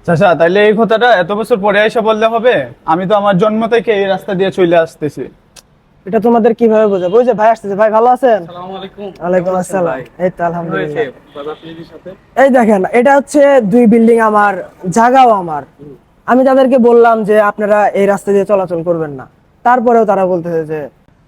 চাচা তাইলে এই কথাটা এত বছর পরে এসে বললে হবে? আমি তো আমার জন্ম থেকে এই রাস্তা দিয়ে চলে আসতেছি। এটা তোমাদের কিভাবে বোঝাবো? ওই যে ভাই আসতেছে। ভাই ভালো আছেন? আসসালামু আলাইকুম। ওয়ালাইকুম কেমন আছেন আসসালাম। ভাই? এই তো আলহামদুলিল্লাহ। হয়েছে বাবা আপনাদের সাথে? এই দেখেন, এটা হচ্ছে 2 বিল্ডিং আমার, জায়গাও আমার। আমি তাদেরকে বললাম যে আপনারা এই রাস্তা দিয়ে চলাচল করবেন না, তারপরেও তারা বলতেছে যে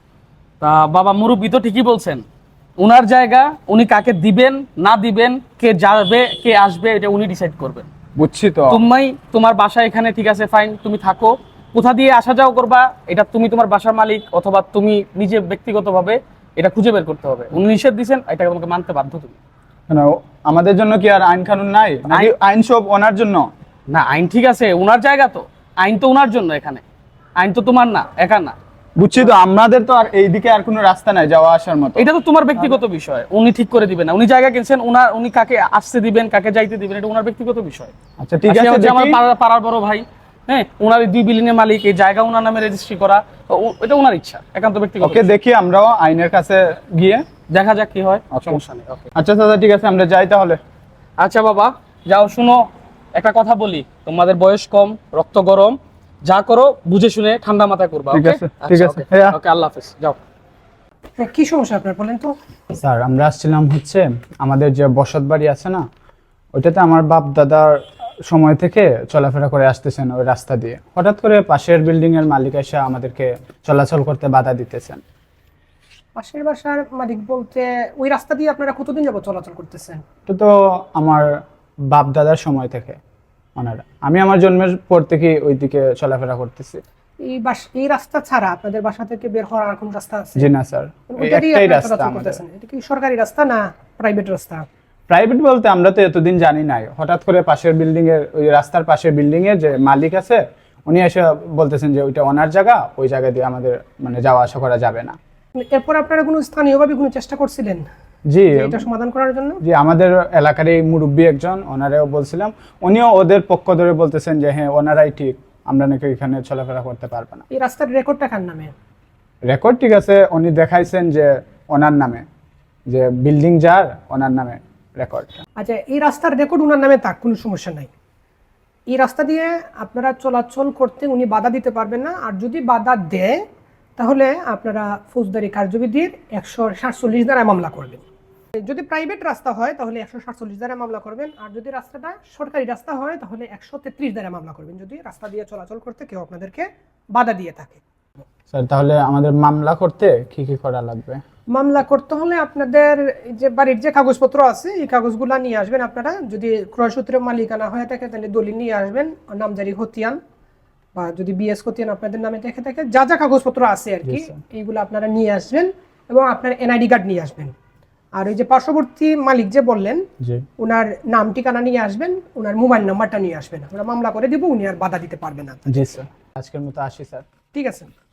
তা বাবা মুরব্বি তো ঠিকই বলছেন, উনার জায়গা, উনি কাকে দিবেন না দিবেন, কে যাবে কে আসবে এটা উনি ডিসাইড করবেন। বুঝছি তো। তুমি তোমার বাসা এখানে, ঠিক আছে ফাইন, তুমি থাকো। কোথা দিয়ে আসা যাও করবা এটা তুমি তোমার বাসার মালিক অথবা তুমি নিজে ব্যক্তিগতভাবে এটা খুঁজে বের করতে হবে। উনি নিষেধ দিয়েছেন, এটা তোমাকে মানতে বাধ্য তুমি। কেন, আমাদের জন্য কি আর আইন কানুন নাই নাকি? আইন সব ওনার জন্য? না, আইন ঠিক আছে, উনার জায়গা তো, আইন তো উনার জন্য, এখানে আইন তো তোমার না, একা না। বুঝছি তো, আমাদের তো আর এইদিকে আর কোনো রাস্তা নাই যাওয়া আসার মতো। এটা তো তোমার ব্যক্তিগত বিষয়, উনি ঠিক করে দিবেন না। উনি জায়গা কিনছেন, উনি কাকে আসতে দিবেন কাকে যাইতে দিবেন এটা উনার ব্যক্তিগত বিষয়। আচ্ছা ঠিক আর সে আছে, হচ্ছে আমার দেখি। পাড়ার বড় ভাই, হ্যাঁ, ওনার এই 2 বিল্ডিং এর মালিক, এই জায়গা ওনার নামে রেজিস্ট্রি করা, এটা ওনার ইচ্ছা, একান্ত ব্যক্তিগত ওকে, বিষয়। দেখি আমরাও আইনের কাছে গিয়ে। দেখা যাক কি হয়, Okay. সমস্যা নেই। ওকে, আচ্ছা দাদা, ঠিক আছে, আমরা যাই তাহলে। আচ্ছা বাবা যাও। শুনো, একটা কথা বলি, তোমাদের বয়স কম, রক্ত গরম, যা করো বুঝে শুনে ঠান্ডা মাথায় করবা। ঠিক ওকে আছে, ঠিক আছে। ওকে, আল্লাহ হাফেজ, যাও। কি সমস্যা আপনার বলেন তো? স্যার, আমরা আসছিলাম হচ্ছে আমাদের যে বসত বাড়ি আছে না, ওইটাতে আমার বাপ দাদার সময় থেকে চলাফেরা করে আসতেছেন ওই রাস্তা দিয়ে। হঠাৎ করে পাশের বিল্ডিং এর মালিক এসে আমাদেরকে চলাচল করতে বাধা দিতেছেন। পাশের বাসার মালিক বলতে ওই রাস্তা দিয়ে আপনারা কতদিন যাবত চলাচল করতেছেন? এটা তো আমার বাপ দাদার সময় থেকে ওনারা, আমি আমার জন্মের পর থেকে ওইদিকে চলাফেরা করতেছি। এই রাস্তা ছাড়া আপনাদের বাসা থেকে বের হওয়ার আর কোন রাস্তা আছে? জি না স্যার, ওই ওইটা দিয়ে একটাই আপনারা রাস্তা চলাচল আমাদের। করতেছেন। এটা কি সরকারি রাস্তা না প্রাইভেট রাস্তা? প্রাইভেট বলতে আমরা তো এতদিন জানি নাই, হঠাৎ করে পাশের বিল্ডিং এর, ওই রাস্তার পাশের বিল্ডিং এর যে মালিক আছে উনি এসে বলতেছেন যে ওইটা ওনার জায়গা, ওই জায়গা দিয়ে আমাদের মানে যাওয়া আসা করা যাবে না। এরপর আপনারা কোনো স্থানীয়ভাবে কোনো চেষ্টা করছিলেন জি, যে এটা সমাধান করার জন্য? জি, আমাদের এলাকার এই মুরব্বী একজন, ওনারেও বলছিলাম, উনিও ওদের পক্ষ ধরে বলতেছেন যে হ্যাঁ ওনারাই ঠিক, আমরা নাকি এখানে চলাফেরা করতে পারবো না। এই রাস্তার রেকর্ডটা কার নামে? রেকর্ড ঠিক আছে, উনি দেখাইছেন যে ওনার নামে, যে বিল্ডিং যার ওনার নামে রেকর্ড। আচ্ছা, এই রাস্তার রেকর্ড ওনার নামে থাক, কোনো সমস্যা নাই। এই রাস্তা দিয়ে আপনারা চলাচল করতে উনি বাধা দিতে পারবেন না। আর যদি বাধা দেয় তাহলে আপনারা ফৌজদারি কার্যবিধির 147 ধারায় মামলা করবেন। যদি প্রাইভেট রাস্তা হয় তাহলে 147 ধারায় মামলা করবেন, আর যদি রাস্তাটা সরকারি রাস্তা হয় তাহলে 133 ধারায় মামলা করবেন, যদি রাস্তা দিয়ে চলাচল করতে কেউ আপনাদেরকে বাধা দিয়ে থাকে। স্যার, তাহলে আমাদের মামলা করতে কি কি করা লাগবে? মামলা করতে হলে আপনাদের এই যে বাড়ির যে কাগজপত্র আছে এই কাগজগুলো নিয়ে আসবেন। আপনারা যদি ক্রয়সূত্রে মালিকানা হয়ে থাকে তাহলে দলিল নিয়ে আসবেন, নামজারি খতিয়ান, বা যদি বিএস খতিয়ান আপনাদের নামে দেখে থাকে, যা যা কাগজপত্র আছে আর কি, এইগুলো আপনারা নিয়ে আসবেন এবং আপনার এনআইডি কার্ড নিয়ে আসবেন। আর ওই যে পার্শ্ববর্তী মালিক যে বললেন, জি, ওনার নাম ঠিকানা নিয়ে আসবেন, ওনার মোবাইল নাম্বারটা নিয়ে আসবেন। আমরা মামলা করে দিব, উনি আর বাধা দিতে পারবেন না। জি স্যার, আজকের মতো আসি স্যার। ঠিক আছে।